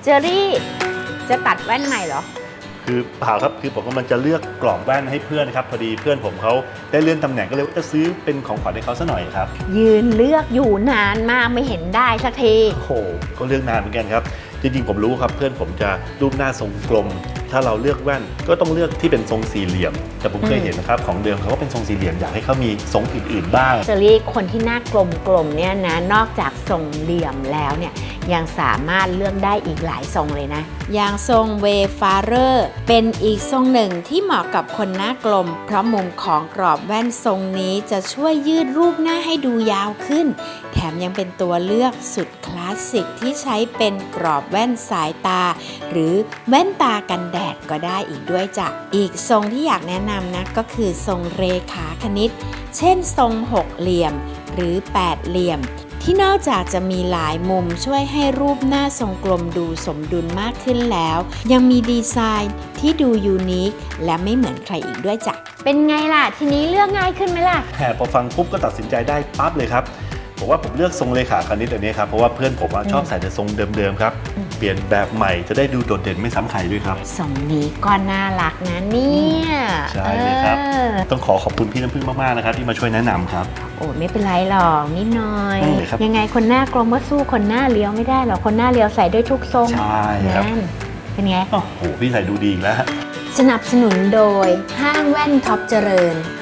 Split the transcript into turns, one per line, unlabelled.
เจอรี่จะตัดแว่นใหม่เหรอ
คือเปล่าครับคือผมกำลังจะเลือกกรอบแว่นให้เพื่อนครับพอดีเพื่อนผมเขาได้เลื่อนตำแหน่งก็เลยว่าจะซื้อเป็นของขวัญให้เขาซะหน่อยครับ
ยืนเลือกอยู่นานมากไม่เห็นได้สักที
โอ้โหก็เลือกนานเหมือนกันครับจริงๆผมรู้ครับเพื่อนผมจะรูปหน้าทรงกลมถ้าเราเลือกแว่นก็ต้องเลือกที่เป็นทรงสี่เหลี่ยมแต่ผมเคยเห็นนะครับของเดิมเขาก็เป็นทรงสี่เหลี่ยมอยากให้เขามีทรงอื่นๆบ้าง
เจอรี่คนที่หน้ากลมๆเนี่ยนะนอกจากทรงเหลี่ยมแล้วเนี่ยยังสามารถเลือกได้อีกหลายทรงเลยนะอย่างทรงเวฟาเรอร์เป็นอีกทรงหนึ่งที่เหมาะกับคนหน้ากลมเพราะมุมของกรอบแว่นทรงนี้จะช่วยยืดรูปหน้าให้ดูยาวขึ้นแถมยังเป็นตัวเลือกสุดคลาสสิกที่ใช้เป็นกรอบแว่นสายตาหรือแว่นตากันแดดก็ได้อีกด้วยจ้ะอีกทรงที่อยากแนะนำนะก็คือทรงเรขาคณิตเช่นทรงหกเหลี่ยมหรือแปดเหลี่ยมที่นอกจากจะมีหลายมุมช่วยให้รูปหน้าทรงกลมดูสมดุลมากขึ้นแล้วยังมีดีไซน์ที่ดูยูนิคและไม่เหมือนใครอีกด้วยจ้ะเป็นไงล่ะทีนี้เลือกง่ายขึ้นไหมล่ะ
พอฟังปุ๊บก็ตัดสินใจได้ปั๊บเลยครับผมว่าผมเลือกทรงเลขาคณิตอันนี้ครับเพราะว่าเพื่อนผมชอบใส่แต่ทรงเดิมๆครับเปลี่ยนแบบใหม่จะได้ดูโดดเด่นไม่ซ้ำใครด้วยครับ
ทรงนี้ก็น่ารักนะเนี่ย
ใช่เลยครับต้องขอบคุณพี่น้ำพึ่งมากๆนะครับที่มาช่วยแนะนำครับ
โอ้ไม่เป็นไรหรอกนิดหน่อยยังไงคนหน้ากลมก็สู้คนหน้าเลี้ยวไม่ได้หรอกคนหน้าเลี้ยวใส่ได้ทุกทรง
ใช่ครับ
เป็นไง
โอ้โหพี่ใส่ดูดีอีกแล้ว
สนับสนุนโดยห้างแว่นท็อปเจริญ